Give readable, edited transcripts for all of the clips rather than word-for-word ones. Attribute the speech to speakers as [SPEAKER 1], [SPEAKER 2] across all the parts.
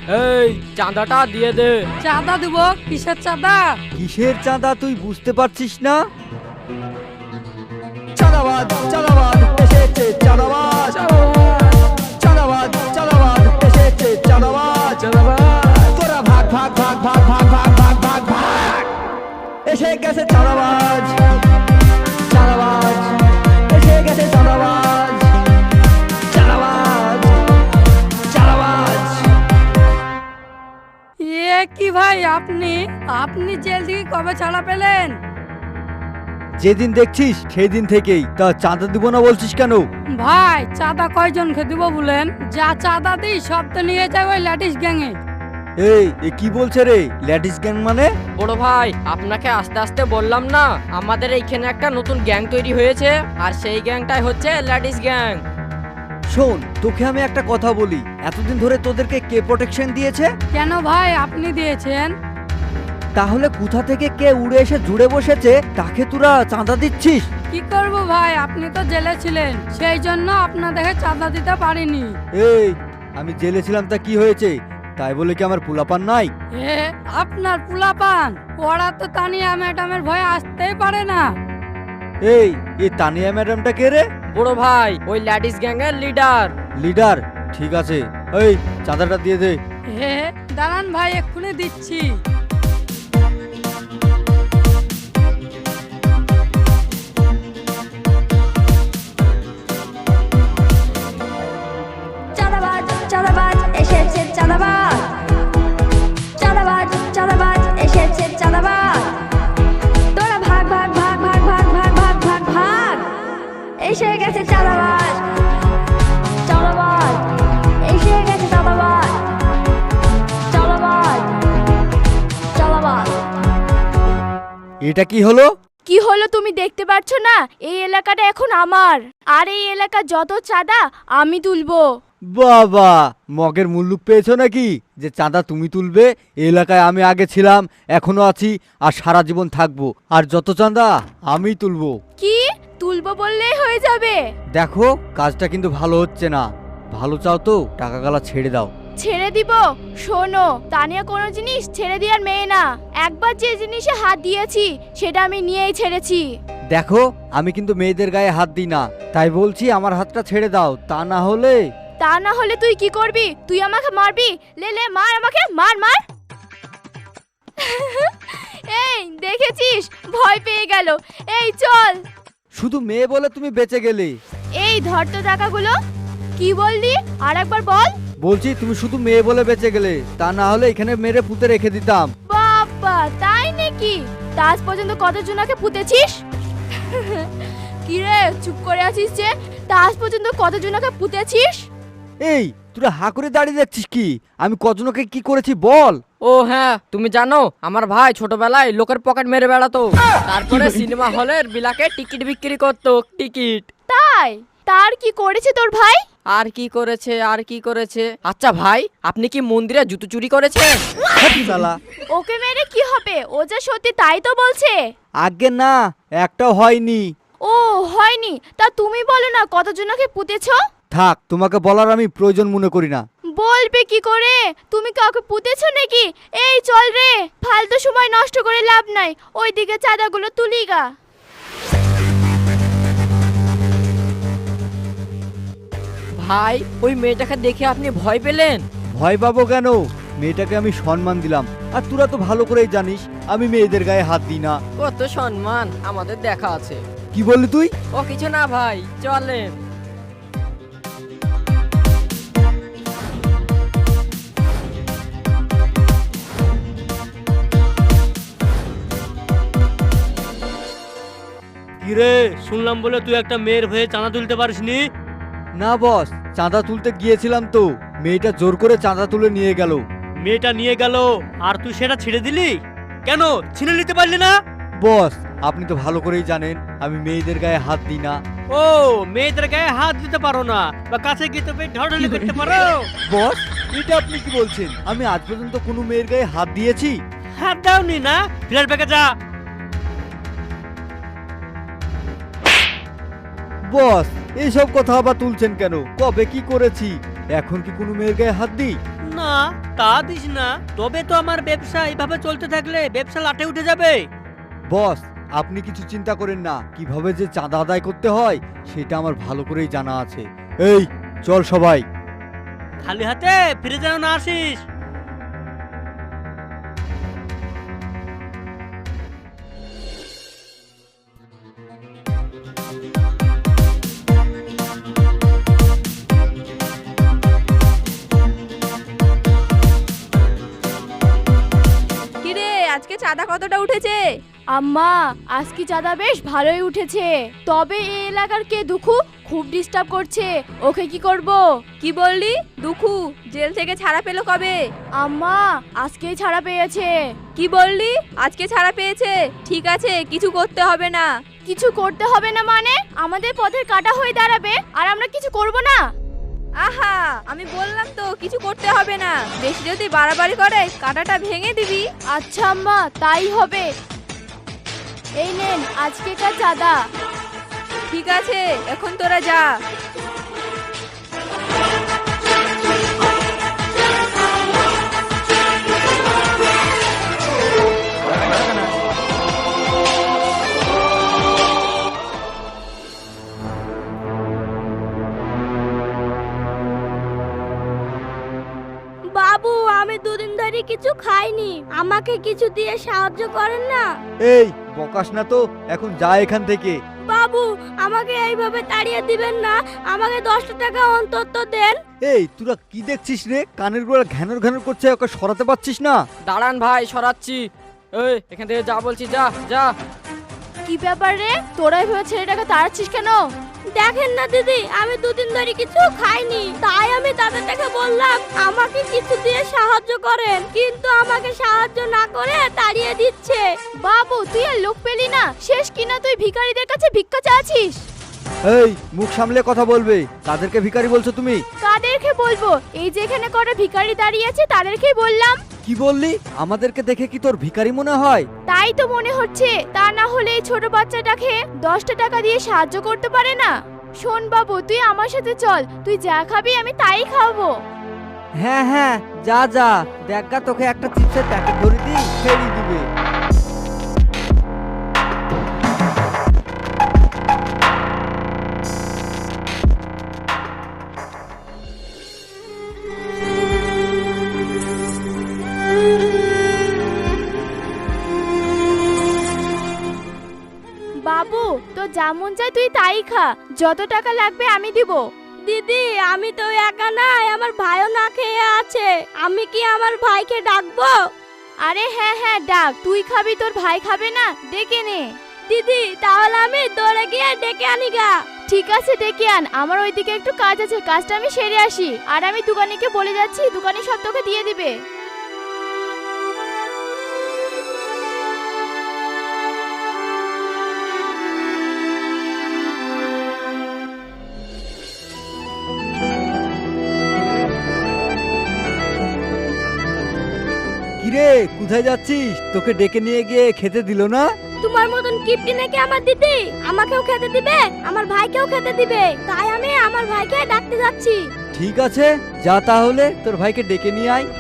[SPEAKER 1] এই চাঁদাটা দিয়ে দে।
[SPEAKER 2] চাঁদা দেব? কিসের চাঁদা?
[SPEAKER 3] কিসের চাঁদা তুই বুঝতে পারছিস না? চাঁদাবাজ চাঁদাবাজ এসেছে চাঁদাবাজ, চাঁদাবাজ চাঁদাবাজ এসেছে চাঁদাবাজ, তোরা ভাগ ভাগ ভাগ ভাগ ভাগ ভাগ ভাগ ভাগ ভাগ, এসে গেছে চাঁদাবাজ, চাঁদাবাজ এসে গেছে চাঁদাবাজ, চাঁদাবাজ চাঁদাবাজ।
[SPEAKER 2] কি ভাই আপনি আপনি জেল থেকে কবে ছাড়া পেলেন?
[SPEAKER 3] যেদিন দেখছিস সেই দিন থেকেই। তা চাঁদা দিব না বলছিস কেন?
[SPEAKER 2] ভাই চাঁদা কয়জনকে দিব বলেন? যা চাঁদা দিই সব তো নিয়ে যাবে ওই ল্যাটিস গ্যাংয়ে।
[SPEAKER 3] এই এ কি বলছে রে? ল্যাটিস গ্যাং মানে?
[SPEAKER 1] বড় ভাই আপনাকে আস্তে আস্তে বললাম না, আমাদের এইখানে একটা নতুন গ্যাং তৈরি হয়েছে, আর সেই গ্যাংটাই হচ্ছে ল্যাটিস গ্যাং।
[SPEAKER 3] শোন, তোকে আমি একটা কথা বলি, এতদিন ধরে তোদেরকে কে প্রোটেকশন দিয়েছে?
[SPEAKER 2] কেন ভাই আপনি দিয়েছেন?
[SPEAKER 3] তাহলে কোথা থেকে কে উড়ে এসে জুড়ে বসেছে তাকে তোরা চাঁদা দিচ্ছিস?
[SPEAKER 2] কি করব ভাই, আপনি তো জেলে ছিলেন, সেই জন্য আপনাদেরকে চাঁদা দিতে পারিনি।
[SPEAKER 3] এই আমি জেলে ছিলাম তা কি হয়েছে? তাই বলে কি আমার পোলাপান নাই?
[SPEAKER 2] এ আপনার পুলাপান? ওরা তো তানিয়া ম্যাডামের ভয়ে আসতেই পারে না।
[SPEAKER 3] এই তানিয়া ম্যাডামটা কে রে?
[SPEAKER 1] বড় ভাই ওই ল্যাটিস গ্যাং এর লিডার।
[SPEAKER 3] লিডার? ঠিক আছে, এই চাঁদাটা দিয়ে দে।
[SPEAKER 2] দাঁড়ান ভাই এক্ষুনি দিচ্ছি।
[SPEAKER 4] চাঁদাবাজ চাঁদাবাজ এসেছে চাঁদাবাজ, চাঁদাবাজ চাঁদাবাজ এসেছে চাঁদাবাজ, তোরা ভাগ ভাগ ভাগ ভাগ ভাগ ভাগ ভাগ ভাগ ভাগ, এসে গেছে চাঁদাবাজ, চাঁদাবাজ এসে গেছে চাঁদাবাজ, চাঁদাবাজ চাঁদাবাজ।
[SPEAKER 3] এটা কি হলো?
[SPEAKER 5] কি হলো তুমি দেখতে পাচ্ছ না? এই এলাকাটা এখন আমার, আর এই এলাকার যত চাঁদা আমি তুলবো।
[SPEAKER 3] বাবা, মগের মুল্লুক পেয়েছো নাকি যে চাঁদা তুমি তুলবে? এই এলাকায় আমি আগে ছিলাম, এখনো আছি, আর সারা জীবন থাকবো, আর যত চাঁদা আমি তুলবো।
[SPEAKER 5] কি তুলবো বললেই হয়ে যাবে?
[SPEAKER 3] দেখো কাজটা কিন্তু ভালো হচ্ছে না। ভালো চাও তো টাকা গালা ছেড়ে দাও।
[SPEAKER 5] ছেড়ে দিব? শোনো, তানিয়া কোনো জিনিস ছেড়ে দেওয়ার মেয়ে না। একবার যে জিনিসে হাত দিয়েছি সেটা আমি নিয়েই ছেড়েছি।
[SPEAKER 3] দেখো আমি কিন্তু মেয়েদের গায়ে হাত দিই না, তাই বলছি আমার হাতটা ছেড়ে দাও, তা না হলে।
[SPEAKER 5] তা না হলে তুই কি করবি? তুই আমাকে মারবি? লে লে মার আমাকে, মার মার। এই দেখেছিস, ভয় পেয়ে গেল। এই চল।
[SPEAKER 3] শুধু মেয়ে বলে তুমি বেঁচে গেলে।
[SPEAKER 5] এই ধর তো টাকাগুলো। কি বললি? আর একবার বল।
[SPEAKER 3] বলছি তুমি শুধু মেয়ে বলে বেঁচে গেলে, তা না হলে এখানে মেরে পুঁতে রেখে দিতাম।
[SPEAKER 5] বাবা তাই নাকি? তা আজ পর্যন্ত কতজনকে পুঁতেছিস? কি রে চুপ করে আছিস যে? তা আজ পর্যন্ত কতজনকে পুঁতেছিস?
[SPEAKER 3] এই তোরা হা করে দাঁড়িয়ে দেখছিস কি? আমি কজনকে কি করেছি বল।
[SPEAKER 1] ও হ্যাঁ, তুমি জানো আমার ভাই ছোটবেলায় লোকের পকেট মেরে বেড়াতো, তারপরে সিনেমা হলের বিলাকে টিকিট বিক্রি করতো। টিকিট।
[SPEAKER 5] তাই? তার কি করেছে তোর ভাই?
[SPEAKER 1] আর কি করেছে আর কি করেছে? আচ্ছা ভাই, আপনি কি মন্দিরে জুতো চুরি করেছেন?
[SPEAKER 3] শালা।
[SPEAKER 5] ওকে মেরে কি হবে? ও যা সত্যি তাই তো বলছে।
[SPEAKER 3] আগে না, একটাও হয়নি।
[SPEAKER 5] ও হয়নি? তা তুমি বলো না কতজনকে পুঁতেছো?
[SPEAKER 3] থাক, তোমাকে বলার আমি প্রয়োজন মনে করি না।
[SPEAKER 5] বলবে কি করে? তুমি কাউকে পুঁতেছো নাকি? এই চল রে, ফালতু সময় নষ্ট করে লাভ নাই, ওইদিকে চাঁদাগুলো তুলি গা।
[SPEAKER 1] ভাই ওই মেয়েটাকে দেখে আপনি ভয় পেলেন?
[SPEAKER 3] ভয় পাবো কেন? মেয়েটাকে আমি সম্মান দিলাম, আর তোরা তো ভালো করেই জানিস আমি মেয়েদের গায়ে হাত দিই না।
[SPEAKER 1] কত সম্মান আমাদের দেখা আছে।
[SPEAKER 3] কি বললি তুই?
[SPEAKER 1] ও কিছু না ভাই, চলেন।
[SPEAKER 6] কিরে, শুনলাম বলে তুই একটা মেয়ের হয়ে চাঁদা তুলতে পারিসনি?
[SPEAKER 3] না বস, চাঁদা তুলতে গিয়েছিলাম তো মেয়েটা জোর করে চাঁদা তুলে নিয়ে গেল।
[SPEAKER 6] মেয়েটা নিয়ে গেল আর তুই সেটা ছেড়ে দিলি কেন? ছিনে নিতে পারলি না?
[SPEAKER 3] বস আপনি তো ভালো করেই জানেন আমি মেয়েদের গায়ে হাত দিই না।
[SPEAKER 6] ও মেয়েদের গায়ে হাত দিতে পারো না, বা কাছে গিয়ে তো ঢড়ঢড়ি করতে পারো?
[SPEAKER 3] বস এটা আপনি কি বলছেন? আমি আজ পর্যন্ত কোনো মেয়ের গায়ে হাত দিয়েছি?
[SPEAKER 6] হাত দাওনি না? ফ্ল্যাট ব্যাগে যা।
[SPEAKER 3] বস এইসব কথা আবার তুলছেন কেন? কবে কি করেছি? এখন কি কোনো মেয়ের গায়ে হাত দিই?
[SPEAKER 6] না, তা দিস না। তবে তো আমার ব্যবসা এইভাবে চলতে থাকলে ব্যবসা লাটে উঠে যাবে।
[SPEAKER 3] বস, আপনি কিছু চিন্তা করেন না, কিভাবে যে চাঁদা আদায় করতে হয় সেটা আমার ভালো করেই জানা আছে। এই চল সবাই।
[SPEAKER 6] খালি হাতে ফিরে যেন না আসিস।
[SPEAKER 5] কিরে আজকে চাঁদা কতটা উঠেছে? আম্মা আজকে চাঁদা বেশ ভালোই উঠেছে, তবে এই এলাকার কে দুখু খুব ডিস্টার্ব করছে, ওকে কি করব? কি বললি? দুখু জেল থেকে ছাড়া পেলো কবে? আম্মা আজকেই ছাড়া পেয়েছে। কি বললি? আজকে ছাড়া পেয়েছে? ঠিক আছে, কিছু করতে হবে না। কিছু করতে হবে না মানে? আমাদের পথের কাটা হয়ে দাঁড়াবে আর আমরা কিছু করব না? আহা, আমি বললাম তো কিছু করতে হবে না। বেশি যদি বাড়াবাড়ি করে কাঁটাটা ভেঙে দিবি। আচ্ছা আম্মা, তাই হবে। এই নেন আজকেকার চাঁদা। ঠিক আছে, এখন তোরা যা।
[SPEAKER 4] বাবু, আমি দুদিন ধরে কিছু খাইনি, আমাকে কিছু দিয়ে সাহায্য করেন না।
[SPEAKER 3] এই বকাস না তো, এখন যা এখান থেকে।
[SPEAKER 4] বাবু, আমাকে এইভাবে তাড়িয়ে দিবেন না, আমাকে 10 টাকা অন্তত দেন।
[SPEAKER 3] এই তোরা কি দেখছিস রে? কানের গোড়া ঘ্যানর ঘ্যানর করছে, ওকে সরাতে পারছিস না?
[SPEAKER 1] দাঁড়ান ভাই, সরাচ্ছি। এই এখান থেকে যা বলছি, যা যা।
[SPEAKER 5] কি ব্যাপার রে, তোরা এভাবে ছেলেটাকে তাড়াচ্ছিস কেন?
[SPEAKER 4] দেখেন না দিদি, আমি দুদিন ধরে কিছু খাইনি, তাই আমি তাদেরটাকে বললাম আমাকে কিছু দিয়ে সাহায্য করেন, কিন্তু আমাকে সাহায্য না করে তাড়িয়ে দিচ্ছে।
[SPEAKER 5] বাবু তুই আর লোক পেলি না, শেষ কিনা তুই ভিখারিদের কাছে ভিক্ষা চাচ্ছিস।
[SPEAKER 3] এই মুখ সামলে কথা বলবে। কাদেরকে ভিখারি বলছো তুমি?
[SPEAKER 5] কাদেরকে বলবো? এই যে এখানে কটা ভিখারি দাঁড়িয়ে আছে তাদেরকেই বললাম।
[SPEAKER 3] কি বললি? আমাদেরকে দেখে কি তোর ভিখারি মনে হয়?
[SPEAKER 5] তাই তো মনে হচ্ছে, তা না হলে এই ছোট বাচ্চাটাকে 10 টাকা দিয়ে সাহায্য করতে পারে না? শোন বাবু, তুই আমার সাথে চল, তুই যা খাবি আমি তাই খাবো।
[SPEAKER 3] হ্যাঁ হ্যাঁ, যা যা, দেখা তোকে একটা চিপসের প্যাকেট ধরে দিই, ফেরি দিবে।
[SPEAKER 5] বাবু তো যেমন চাই তুই তাই খা, যত টাকা লাগবে আমি দিব।
[SPEAKER 4] দিদি, আমি তো একা নাই, আমার ভাইও না খেয়ে আছে, আমি কি আমার ভাইকে ডাকবো?
[SPEAKER 5] আরে হ্যাঁ হ্যাঁ ডাক, তুই খাবি তোর ভাই খাবে না? ডেকে নে।
[SPEAKER 4] দিদি, তাহলে আমি দৌড়ে গিয়ে ডেকে আনি গা।
[SPEAKER 5] ঠিক আছে ডেকে আন, আমার ওইদিকে একটু কাজ আছে, কাজটা আমি সেরে আসি। আর আমি দোকানিকে বলে যাচ্ছি, দোকানি সব তোকে দিয়ে দিবে।
[SPEAKER 3] কিরে, কোথায় যাচ্ছিস? তোকে ডেকে নিয়ে গিয়ে খেতে দিল না?
[SPEAKER 4] তোমার মতন কিপটি নাকি আমার দিদি? আমাকেও খেতে দিবে, আমার ভাইকেও খেতে দিবে, তাই আমি আমার ভাইকে ডাকতে যাচ্ছি।
[SPEAKER 3] ঠিক আছে, যা তাহলে তোর ভাইকে ডেকে নিয়ে আয়।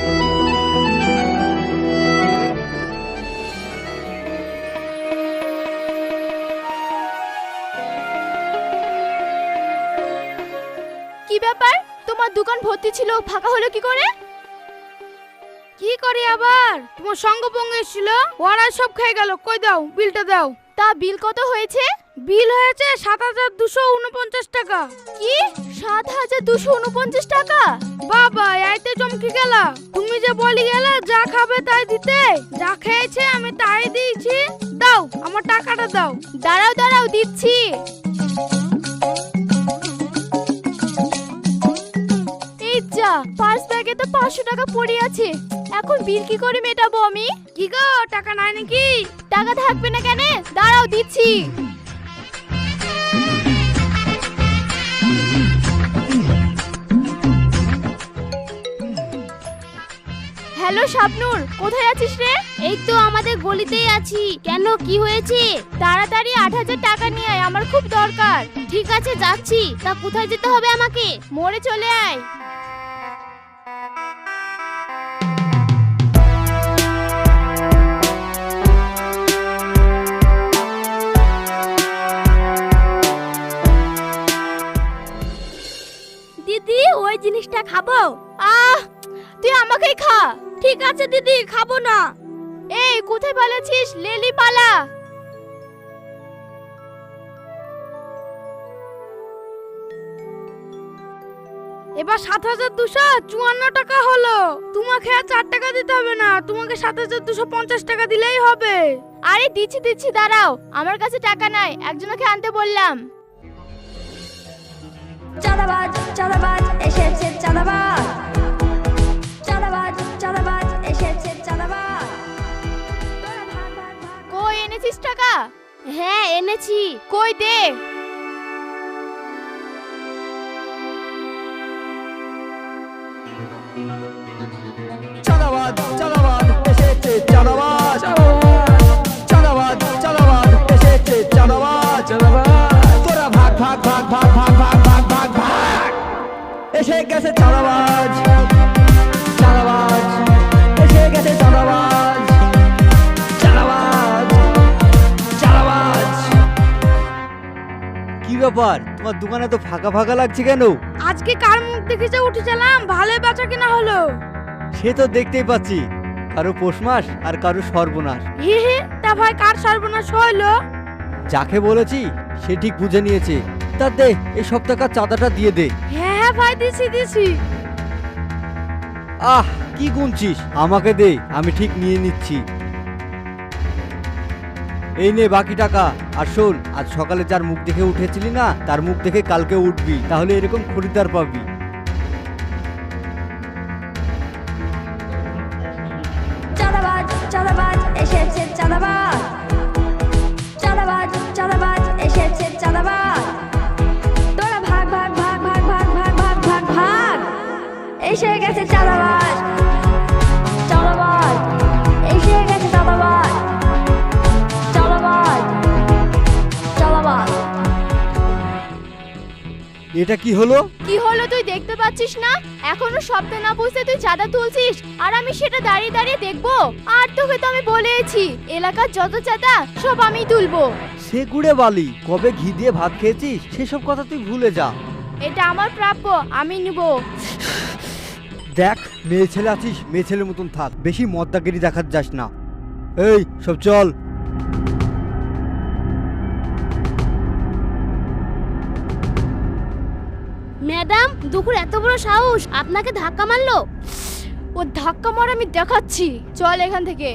[SPEAKER 5] কি ব্যাপার, তোমার দোকান ভর্তি ছিল, ফাঁকা হলো কি করে?
[SPEAKER 2] কি করি আবার? তোমার সঙ্গপঙ্গ এসেছিল, ওরা সব খেয়ে গেল। কই দাও, বিলটা দাও।
[SPEAKER 5] তা বিল কত হয়েছে?
[SPEAKER 2] বিল হয়েছে 7249 টাকা।
[SPEAKER 5] কি 7249 টাকা?
[SPEAKER 2] বাবা, এইতে চমকে গেলা। তুমি যে বলি গেলে যা খাবে তাই দিতে, যা খেয়েছে আমি তাই দিয়েছি। দাও, আমার টাকাটা দাও।
[SPEAKER 5] দাঁড়াও দাঁড়াও, দিচ্ছি। এই যা, পার্স ব্যাগে তো 500 টাকা পড়ে আছে, এখন বিল কি করে মেটাবো আমি?
[SPEAKER 2] কি গো, টাকা নাই নাকি?
[SPEAKER 5] টাকা থাকবে না কেন? দাঁড়াও দিচ্ছি। হ্যালো শাবনূর, কোথায় আছিস রে?
[SPEAKER 4] এই তো আমাদের গলিতেই আছি। কেন, কি হয়েছে?
[SPEAKER 5] তাড়াতাড়ি 8000 টাকা নিয়ে আয়, আমার খুব দরকার।
[SPEAKER 4] ঠিক আছে, যাচ্ছি। তা কোথায় যেতে হবে আমাকে?
[SPEAKER 5] মোড়ে চলে আয়।
[SPEAKER 4] এটা খাবো?
[SPEAKER 5] আহ, তুই আমাকেই খা।
[SPEAKER 4] ঠিক আছে দিদি, খাবো না।
[SPEAKER 5] এই কোথায় পালাচ্ছিস? লেলি পালা।
[SPEAKER 2] এবার 7,254 টাকা হলো। তোমাকে আর 4 টাকা দিতে হবে না, তোমাকে 7,250 টাকা দিলেই হবে।
[SPEAKER 5] আরে দিচ্ছি দিচ্ছি, দাঁড়াও, আমার কাছে টাকা নাই, একজনকে আনতে বললাম।
[SPEAKER 4] চাঁদাবাজ চাঁদাবাজ এসেছে, চাঁদাবাজ চাঁদাবাজ চাঁদাবাজ এসেছে, চাঁদাবাজ। তোরা ভাগ ভাগ ভাগ।
[SPEAKER 5] কই এনেছিস টাকা?
[SPEAKER 4] হ্যাঁ এনেছি।
[SPEAKER 5] কই দে।
[SPEAKER 3] চাঁদাবাজ চাঁদাবাজ এসেছে, চাঁদাবাজ চাঁদাবাজ চাঁদাবাজ এসেছে, চাঁদাবাজ তোরা ভাগ ভাগ ভাগ ভাগ ভাগ ভাগ ভাগ ভাগ ভাগ। এসে গেছে চাঁদাবাজ, চাঁদাবাজ এসে গেছে, চাঁদাবাজ চাঁদাবাজ চাঁদাবাজ। কি ব্যাপার, তোমার দোকানে তো ফাঁকা ফাঁকা লাগছে কেন?
[SPEAKER 2] আজকে কার মুখ দেখেছে উঠেছিলাম, ভালো বেচা কিনা হলো।
[SPEAKER 3] সে তো দেখতেই পাচ্ছি, কারো পৌষ মাস আর কারো সর্বনাশ।
[SPEAKER 2] হে হে, তা ভাই কার সর্বনাশ হইলো?
[SPEAKER 3] যাকে বলেছি সে ঠিক বুঝে নিয়েছে। তা দে, এই সপ্তাহকার চাঁদাটা দিয়ে দে।
[SPEAKER 2] হ্যাঁ হ্যাঁ ভাই, দিছি দিছি।
[SPEAKER 3] আহ, কি গুনছিস? আমাকে দে, আমি ঠিক নিয়ে নিচ্ছি। এই নে বাকি টাকা। আর শোন, আজ সকালে যার মুখ দেখে উঠেছিলি না, তার মুখ দেখে কালকে উঠবি, তাহলে এরকম খরিদ্দার পাবি।
[SPEAKER 4] চাঁদাবাজ চাঁদাবাজ এসেছে, চাঁদাবাজ চাঁদাবাজ চাঁদাবাজ এসেছে, চাঁদাবাজ। তোরা ভাগ ভাগ ভাগ ভাগ ভাগ ভাগ ভাগ ভাগ ভাগ। এসে গেছে চাঁদাবাজ, চাঁদাবাজ এসে গেছে, চাঁদাবাজ চাঁদাবাজ চাঁদাবাজ।
[SPEAKER 3] এটা কি হলো?
[SPEAKER 5] কি হলো তুই দেখতে পাচ্ছিস না? এখনো শব্দ না বুঝতে তুই চাঁদা তুলছিস, আর আমি সেটা দাঁড়িয়ে দাঁড়িয়ে দেখবো? আর তোকে তো আমি বলেছি, এলাকার যত চাঁদা সব আমি তুলবো।
[SPEAKER 3] সে গুড়ে বালি, কবে ঘি দিয়ে ভাত খেয়েছিস সেসব কথা তুই ভুলে যা।
[SPEAKER 5] এটা আমার প্রাপ্য, আমি নিব।
[SPEAKER 3] দেখ, মেয়ে ছেলে আছিস, মেয়ে ছেলের মতন থাক, বেশি মদ্দাগিরি দেখাত যাস না। এই সব চল।
[SPEAKER 4] ম্যাডাম, দুপুর এত বড় সাহস, আপনাকে ধাক্কা মারলো?
[SPEAKER 5] ও ধাক্কা মার আমি দেখাচ্ছি, চল এখান থেকে।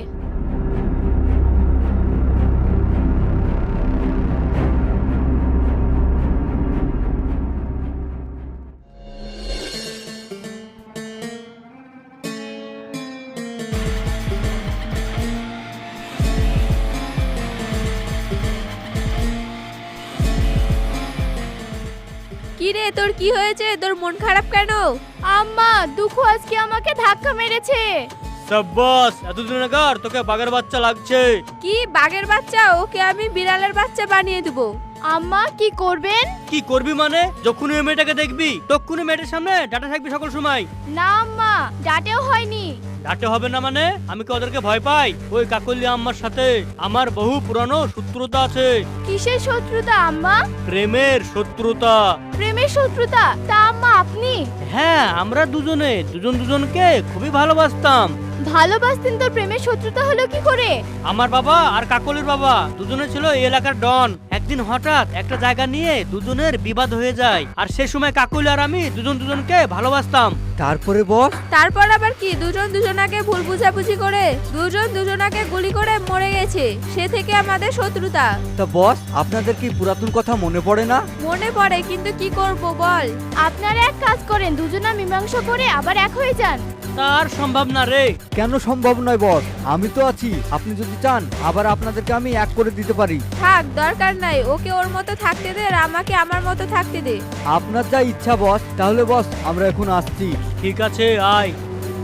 [SPEAKER 7] কি রে, তোর কি হয়েছে? তোর মন খারাপ কেন?
[SPEAKER 5] আম্মা, দুঃখ আজকে আমাকে ধাক্কা মেরেছে।
[SPEAKER 6] সাব্বাস, এতদিন আগার তোকে বাঘের বাচ্চা লাগছে।
[SPEAKER 7] কি বাঘের বাচ্চা? ওকে আমি বিড়ালের বাচ্চা বানিয়ে দেবো।
[SPEAKER 5] আম্মা কি করবেন?
[SPEAKER 6] কি করবি মানে? যখনই ওই মেয়েটাকে দেখবি তখনই মেয়েটার সামনে ডাটা থাকবি সকল সময়।
[SPEAKER 5] না আম্মা, ডাটেও হয়নি।
[SPEAKER 6] ডাটে হবে না মানে? আমি কি ওদেরকে ভয় পাই? ওই কাকলি আম্মার সাথে আমার বহু পুরানো শত্রুতা আছে।
[SPEAKER 5] কিসের শত্রুতা আম্মা?
[SPEAKER 6] প্রেমের শত্রুতা।
[SPEAKER 5] প্রেমের শত্রুতা? তা আম্মা আপনি?
[SPEAKER 6] হ্যাঁ, আমরা দুজনে দুজনকে খুবই ভালোবাসতাম।
[SPEAKER 5] ভালোবাসতেন তো প্রেমের শত্রুতা হলো কি করে?
[SPEAKER 6] আমার বাবা আর কাকলির বাবা দুজনে ছিল এই এলাকার ডন। একদিন হঠাৎ একটা জায়গা নিয়ে দুজনের বিবাদ হয়ে যায়, আর সে সময় কাকলি আর আমি দুজনকে ভালোবাসতাম।
[SPEAKER 3] তারপরে বস?
[SPEAKER 7] তারপর আবার কি, দুজন দুজনাকে ভুল বুঝাবুঝি করে দুজন দুজনাকে গুলি করে মরে গেছে। সে থেকে আমাদের শত্রুতা।
[SPEAKER 3] তা বস, আপনাদের কি পুরাতন কথা মনে পড়ে না?
[SPEAKER 7] মনে পড়ে, কিন্তু কি করব বল।
[SPEAKER 5] আপনারা এক কাজ করেন, দুজনা মীমাংসা করে আবার এক হয়ে যান।
[SPEAKER 6] তার সম্ভব না রে।
[SPEAKER 3] কেন সম্ভব নয় বস? আমি তো আছি, আপনি যদি চান আবার আপনাদেরকে আমি এক করে দিতে পারি।
[SPEAKER 7] থাক, দরকার নাই। ওকে ওর মতো থাকতে দে, আর আমাকে আমার মতো থাকতে দে।
[SPEAKER 3] আপনার যা ইচ্ছা বস। তাহলে বস, আমরা এখন আসছি।
[SPEAKER 6] ঠিক আছে, আয়।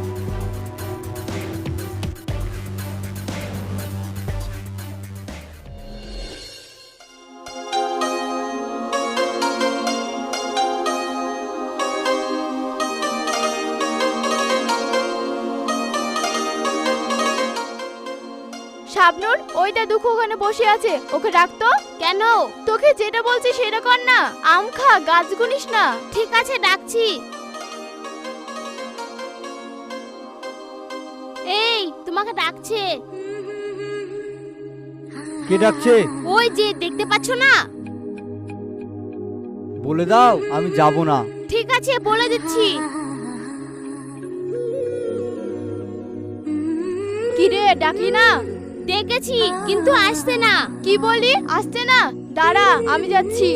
[SPEAKER 5] শাবনুর, ওইটা দুঃখ ওখানে বসে আছে, ওকে ডাকতো।
[SPEAKER 4] কেন?
[SPEAKER 5] তোকে যেটা বলছি সেটা কর না। আম খা, গাছ গুনিস না।
[SPEAKER 4] ঠিক আছে, ডাকছি। এই তোমাকে ডাকছে।
[SPEAKER 3] কে ডাকছে?
[SPEAKER 4] ওই যে দেখতে পাচ্ছ না?
[SPEAKER 3] বলে দাও আমি যাব না।
[SPEAKER 4] ঠিক আছে বলে দিচ্ছি।
[SPEAKER 5] কি রে ডাকলি না?
[SPEAKER 4] ডেকেছি কিন্তু আসছে না।
[SPEAKER 5] কি বলি আসছে না? দাঁড়া আমি যাচ্ছি।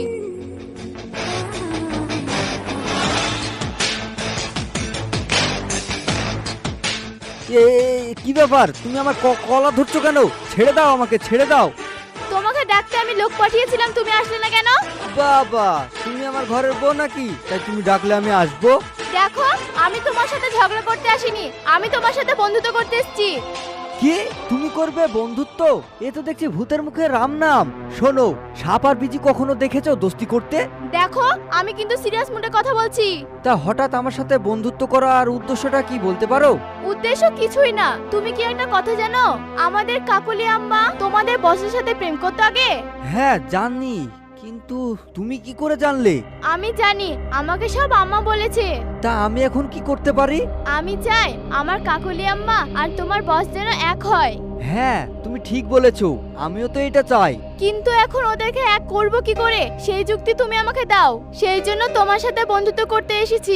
[SPEAKER 3] কি ব্যাপার, তুমি আমার কলা ধরছো কেন? ছেড়ে দাও আমাকে, ছেড়ে দাও।
[SPEAKER 5] তোমাকে ডাকতে আমি লোক পাঠিয়েছিলাম, তুমি আসলে না কেন?
[SPEAKER 3] বাবা, তুমি আমার ঘরের বউ নাকি তাই তুমি ডাকলে আমি আসবো?
[SPEAKER 5] দেখো আমি তোমার সাথে ঝগড়া করতে আসিনি, আমি তোমার সাথে বন্ধুত্ব করতে এসেছি।
[SPEAKER 3] কি তুমি করবে বন্ধুত্ব? এ তো দেখছি ভূতের মুখে রাম নাম। শোনো, সাপ আর বিজি কখনো দেখেছো দোস্তি করতে?
[SPEAKER 5] দেখো আমি কিন্তু সিরিয়াস মুডে কথা বলছি।
[SPEAKER 3] তা হঠাৎ আমার সাথে বন্ধুত্ব করার উদ্দেশ্যটা কি বলতে পারো?
[SPEAKER 5] উদ্দেশ্য কিছুই না। তুমি কি একটা কথা জানো, আমাদের কাকুলি আম্মা তোমাদের বসের সাথে প্রেম করতে আগে?
[SPEAKER 3] হ্যাঁ জানি, কিন্তু তুমি কি করে জানলে?
[SPEAKER 5] আমি জানি, আমাকে সব আম্মা বলেছে।
[SPEAKER 3] তা আমি এখন কি করতে পারি?
[SPEAKER 5] আমি চাই আমার কাকুলি আম্মা আর তোমার বস যেন এক হয়।
[SPEAKER 3] হ্যাঁ তুমি ঠিক বলেছো, আমিও তো এটা চাই।
[SPEAKER 5] কিন্তু এখন ওদেরকে এক করব কি করে, সেই যুক্তি তুমি আমাকে দাও। সেই জন্য তোমার সাথে বন্ধুত্ব করতে এসেছি।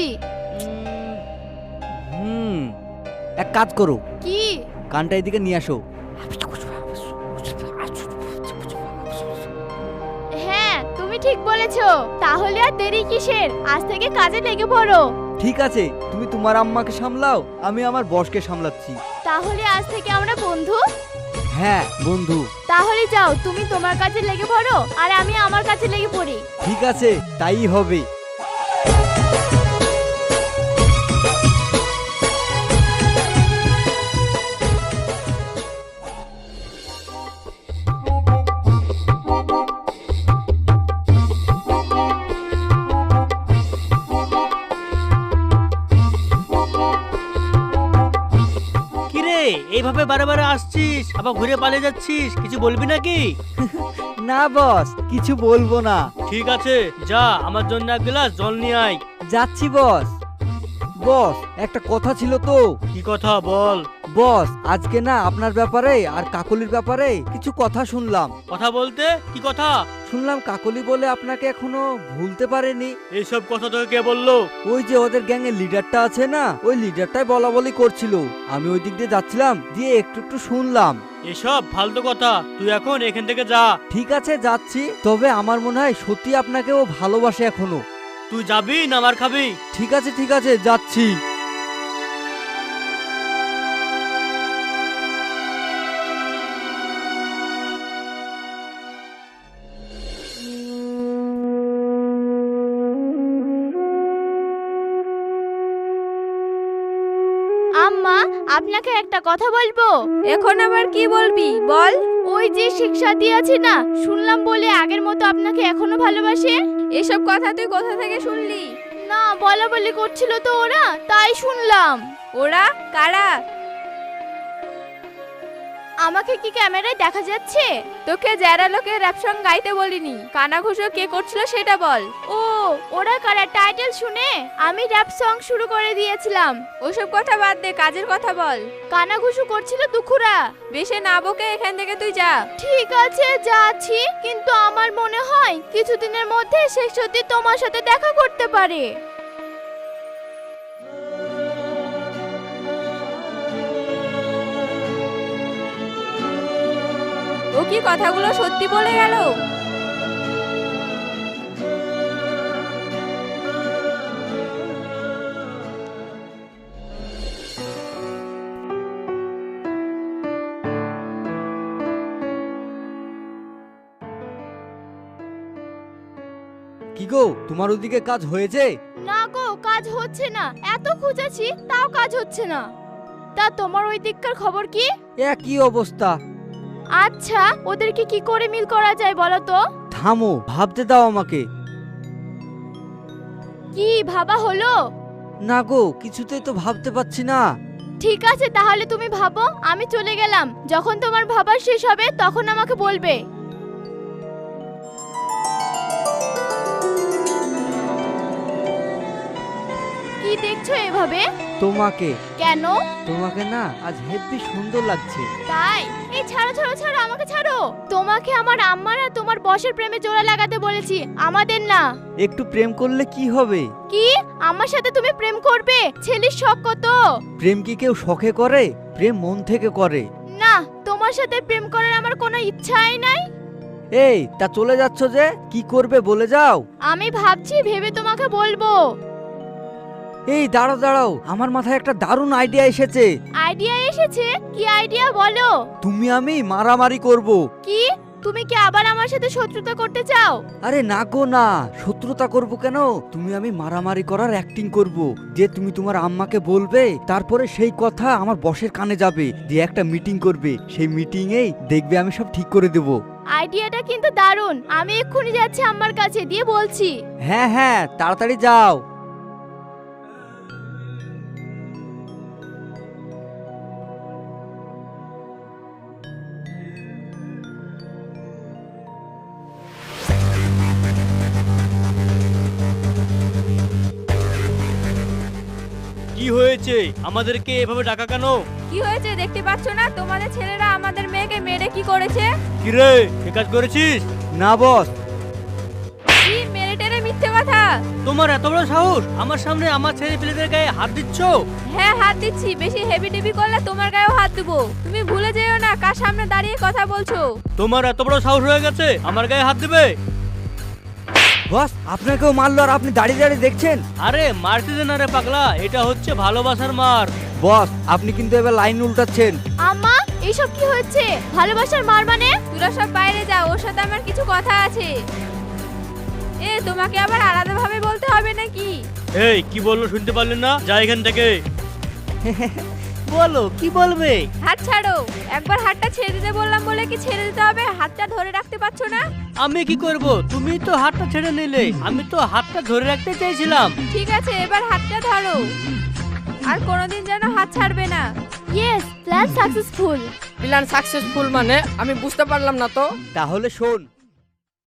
[SPEAKER 3] এক কাজ করো,
[SPEAKER 5] কি?
[SPEAKER 3] কানটা এদিকে নিয়ে আসো।
[SPEAKER 5] হ্যাঁ তুমি ঠিক বলেছো। তাহলে আর দেরি কিসের, আজ থেকে কাজে লেগে পড়ো।
[SPEAKER 3] ঠিক আছে, তুমি তোমার আম্মাকে সামলাও, আমি আমার বসকে সামলাচ্ছি।
[SPEAKER 5] তাহলে আজ থেকে আমরা বন্ধু?
[SPEAKER 3] হ্যাঁ বন্ধু।
[SPEAKER 5] তাহলে যাও, তুমি তোমার কাজে লেগে পড়ো আর আমি আমার কাজে লেগে পড়ি।
[SPEAKER 3] ঠিক আছে, তাই হবে।
[SPEAKER 6] কিরে এইভাবে বারে বারে আসছিস আবার ঘুরে পালিয়ে যাচ্ছিস, কিছু বলবি নাকি?
[SPEAKER 3] না বস, কিছু বলবো না।
[SPEAKER 6] ঠিক আছে যা, আমার জন্য এক গ্লাস জল নিয়ে আয়।
[SPEAKER 3] যাচ্ছি বস। বস একটা কথা ছিল তো।
[SPEAKER 6] কি কথা বল।
[SPEAKER 3] বস আজকে না আপনার ব্যাপারে আর কাকলির ব্যাপারে কিছু কথা শুনলাম।
[SPEAKER 6] কথা বলতে কি কথা?
[SPEAKER 3] শুনলাম কাকলি বলে আপনাকে এখনো ভুলতে পারেনি।
[SPEAKER 6] এইসব কথা তোকে কে বললো?
[SPEAKER 3] ওই যে ওদের গ্যাংয়ের লিডারটা আছে না, ওই লিডারটাই বলা বলি করছিল। আমি ওই দিক দিয়ে যাচ্ছিলাম, দিয়ে একটু একটু শুনলাম।
[SPEAKER 6] এসব ফালতু কথা, তুই এখন এখান থেকে যা।
[SPEAKER 3] ঠিক আছে যাচ্ছি, তবে আমার মনে হয় সত্যি আপনাকে ও ভালোবাসে এখনো।
[SPEAKER 6] তুই যাবি না মার খাবি?
[SPEAKER 3] ঠিক আছে যাচ্ছি।
[SPEAKER 5] আম্মা আপনাকে একটা কথা বলবো।
[SPEAKER 7] এখন আবার কি বলবি বল।
[SPEAKER 5] ওই যে শিক্ষা দিয়েছি না, শুনলাম বলে আগের মতো আপনাকে এখনো ভালোবাসে।
[SPEAKER 7] এসব কথা তুই কোথা থেকে শুনলি?
[SPEAKER 5] না বলা বলি করছিল তো ওরা, তাই শুনলাম।
[SPEAKER 7] ওরা কারা?
[SPEAKER 5] আমাকে কি ক্যামেরায় দেখা যাচ্ছে?
[SPEAKER 7] তোকে যারা লোকে র‍্যাপ সং গাইতে বলিনি, কানাঘুষো কে করছিল সেটা বল।
[SPEAKER 5] ও ওরা কারা? টাইটেল শুনে আমি র‍্যাপ সং শুরু করে দিয়েছিলাম।
[SPEAKER 7] ওসব কথা বাদ দে, কাজের কথা বল।
[SPEAKER 5] কানাঘুষো করছিল দুখুরা।
[SPEAKER 7] বেশি না বকে এখান থেকে তুই যা।
[SPEAKER 5] ঠিক আছে যাচ্ছি, কিন্তু আমার মনে হয় কিছুদিনের মধ্যে সে সত্যি তোমার সাথে দেখা করতে পারে।
[SPEAKER 7] ও কি কথাগুলো সত্যি বলে গেল?
[SPEAKER 3] কি গো, তোমার ওদিকে কাজ হয়েছে?
[SPEAKER 5] না গো, কাজ হচ্ছে না। এত খুঁজেছি তাও কাজ হচ্ছে না। তা তোমার ওই দিককার খবর কি?
[SPEAKER 3] একই অবস্থা।
[SPEAKER 5] আচ্ছা ওদেরকে কি করে মিল করা যায় বলো তো?
[SPEAKER 3] থামো, ভাবতে দাও আমাকে।
[SPEAKER 5] কি ভাবা হলো?
[SPEAKER 3] না গো, কিছুতেই তো ভাবতে পারছি না।
[SPEAKER 5] ঠিক আছে তাহলে তুমি ভাবো, আমি চলে গেলাম। যখন তোমার ভাবা শেষ হবে তখন আমাকে বলবে। কি দেখছো এভাবে?
[SPEAKER 3] তোমাকে
[SPEAKER 5] কেন?
[SPEAKER 3] তোমাকে না আজ হেব্বি সুন্দর লাগছে।
[SPEAKER 5] তাই? এই ছাড়ো ছাড়ো ছাড়ো, আমাকে ছাড়ো। তোমাকে আমার আম্মার আর তোমার বসের প্রেমে জোড়া লাগাতে বলেছি, আমাদের না।
[SPEAKER 3] একটু প্রেম করলে কি হবে?
[SPEAKER 5] কি? আমার সাথে তুমি প্রেম করবে? ছেলের শখ কত?
[SPEAKER 3] প্রেম কি কেউ শখে করে? প্রেম মন থেকে করে।
[SPEAKER 5] না, তোমার সাথে প্রেম করার আমার কোনো ইচ্ছাই নাই।
[SPEAKER 3] এই তা চলে যাচ্ছ যে, কি করবে বলে যাও।
[SPEAKER 5] আমি ভাবছি, ভেবে তোমাকে বলবো।
[SPEAKER 3] এই দাঁড়াও দাঁড়াও, আমার মাথায় একটা দারুণ আইডিয়া এসেছে।
[SPEAKER 5] আইডিয়া এসেছে? কি আইডিয়া বলো?
[SPEAKER 3] তুমি আমি মারামারি করব।
[SPEAKER 5] কি? তুমি কি আবার আমার সাথে শত্রুতা করতে চাও?
[SPEAKER 3] আরে না গো না, শত্রুতা করব কেন? তুমি আমি মারামারি করার অ্যাক্টিং করব, যে তুমি তোমার আম্মাকে বলবে, তারপরে সেই কথা আমার বসের কানে যাবে, দিয়ে একটা মিটিং করবে, সেই মিটিং এই দেখবে আমি সব ঠিক করে দেব।
[SPEAKER 5] আইডিয়াটা কিন্তু দারুণ। আমি এক্ষুনি যাচ্ছি আম্মার কাছে, দিয়ে বলছি।
[SPEAKER 3] হ্যাঁ হ্যাঁ, তাড়াতাড়ি যাও।
[SPEAKER 6] কি হয়েছে? আমাদেরকে এভাবে ডাকা কেন?
[SPEAKER 7] কি হয়েছে দেখতে পাচ্ছ না? তোমাদের ছেলেরা আমাদের মেয়েকে মেরে কি করেছে?
[SPEAKER 6] কি রে, এ কাজ করেছিস?
[SPEAKER 3] না বস।
[SPEAKER 7] কি মেরে টেরে মিথ্যে কথা?
[SPEAKER 6] তোমার এত বড় সাহস, আমার সামনে আমার ছেলে পেলেদের গায়ে হাত দিচ্ছ?
[SPEAKER 7] হ্যাঁ হাত দিচ্ছি, বেশি হেভি টেভি করলে তোমার গায়েও হাত দেবো। তুমি ভুলে যেও না কার সামনে দাঁড়িয়ে কথা বলছো।
[SPEAKER 6] তোমার এত বড় সাহস হয়ে গেছে আমার গায়ে হাত দেবে?
[SPEAKER 3] বস, আপনাকেও মারলো আর আপনি দাঁড়িয়ে দাঁড়িয়ে দেখছেন?
[SPEAKER 6] আরে মারতে দে না রে পাগলা, এটা হচ্ছে ভালোবাসার মার।
[SPEAKER 3] বস, আপনি কিন্তু এবার লাইন উল্টাচ্ছেন।
[SPEAKER 5] আম্মা, এইসব কি হচ্ছে? ভালোবাসার মার মানে?
[SPEAKER 7] তোরা সব বাইরে যাও, ওর সাথে আমার কিছু কথা আছে। এ তোমাকে আবার আলাদাভাবে বলতে হবে নাকি?
[SPEAKER 6] এই কি বললো শুনতে পারলেন না? যা এখান থেকে।
[SPEAKER 3] বলো, কি বলবে?
[SPEAKER 7] হাত ছাড়ো। একবার হাতটা ছেড়ে দিতে বললাম বলে কি ছেড়ে দিতে হবে? হাতটা ধরে রাখতে পারছো না?
[SPEAKER 6] আমি কি করব? তুমি তো হাতটা ছেড়ে নিলে, আমি তো হাতটা ধরে রাখতে চাইছিলাম।
[SPEAKER 7] ঠিক আছে, এবার হাতটা ধরো। আর কোনোদিন যেন হাত ছাড়বে না।
[SPEAKER 5] Yes, plan successful.
[SPEAKER 1] Plan successful মানে? আমি বুঝতে পারলাম না তো।
[SPEAKER 3] তাহলে শোন,